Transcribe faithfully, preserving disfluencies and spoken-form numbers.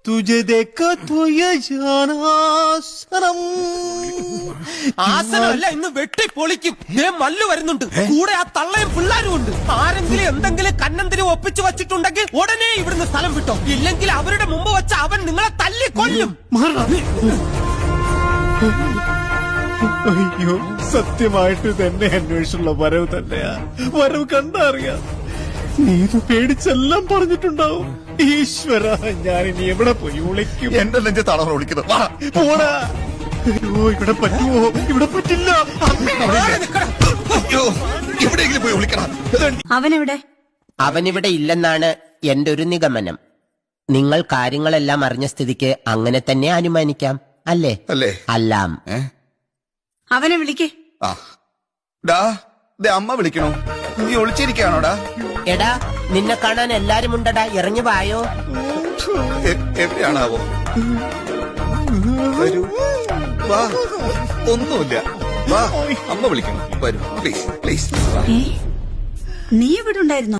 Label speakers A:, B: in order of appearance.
A: तुझे देखा तो ये जाना सनम
B: ആസനമല്ല ഇന്ന് വെട്ടി പൊളിക്കും. മല്ലു വരുന്നുണ്ട്, കൂടെ ആ തള്ളയും പിള്ളാരും ഉണ്ട്. ആരെങ്കിലും എന്തെങ്കിലും കന്നന്തിരി ഒപ്പിച്ചു വച്ചിട്ടുണ്ടെങ്കിൽ ഉടനെ ഇവിടുന്ന് സ്ഥലം വിട്ടോ, ഇല്ലെങ്കിൽ അവരുടെ മുമ്പ് വെച്ച് അവൻ നിങ്ങളെ തല്ലി കൊല്ലും.
A: അയ്യോ, സത്യമായിട്ട് തന്നെ അന്വേഷിച്ചുള്ള വരവ് തന്നെയാ. വരവ് കണ്ടറിയാം. നീ ഇത് പേടിച്ചെല്ലാം പറഞ്ഞിട്ടുണ്ടാവും. ഈശ്വര, ഞാൻ ഇനി എവിടെ പോയി വിളിക്കും?
C: എന്റെ നെഞ്ചത്താണ് വിളിക്കുന്നത്.
A: പോടാ. അയ്യോ, ഇവിടെ പറ്റുമോ? ഇവിടെ പറ്റില്ല.
C: അയ്യോ, എവിടെയെങ്കിലും പോയി വിളിക്കണം.
D: അവനെവിടെ?
B: അവനിവിടെ ഇല്ലെന്നാണ് എന്റെ ഒരു നിഗമനം. നിങ്ങൾ കാര്യങ്ങളെല്ലാം അറിഞ്ഞ സ്ഥിതിക്ക് അങ്ങനെ തന്നെ അനുമാനിക്കാം, അല്ലേ?
C: അല്ലേ?
B: അല്ലാം.
D: അവനെ വിളിക്കേ.
C: ആ ഡാ, ദേ അമ്മ വിളിക്കണോ? നീ ഒളിച്ചിരിക്കാണോടാ?
B: എടാ, നിന്നെ കാണാൻ എല്ലാരും ഉണ്ടടാ, ഇറങ്ങി വായോ.
C: എവിടെയാണാവോ? വരൂ, വാ. ഒന്നുമില്ല, വാ. അമ്മ വിളിക്കണം, വരൂ പ്ലീസ് പ്ലീസ്.
D: നീ ഇവിടെ ഉണ്ടായിരുന്നോ?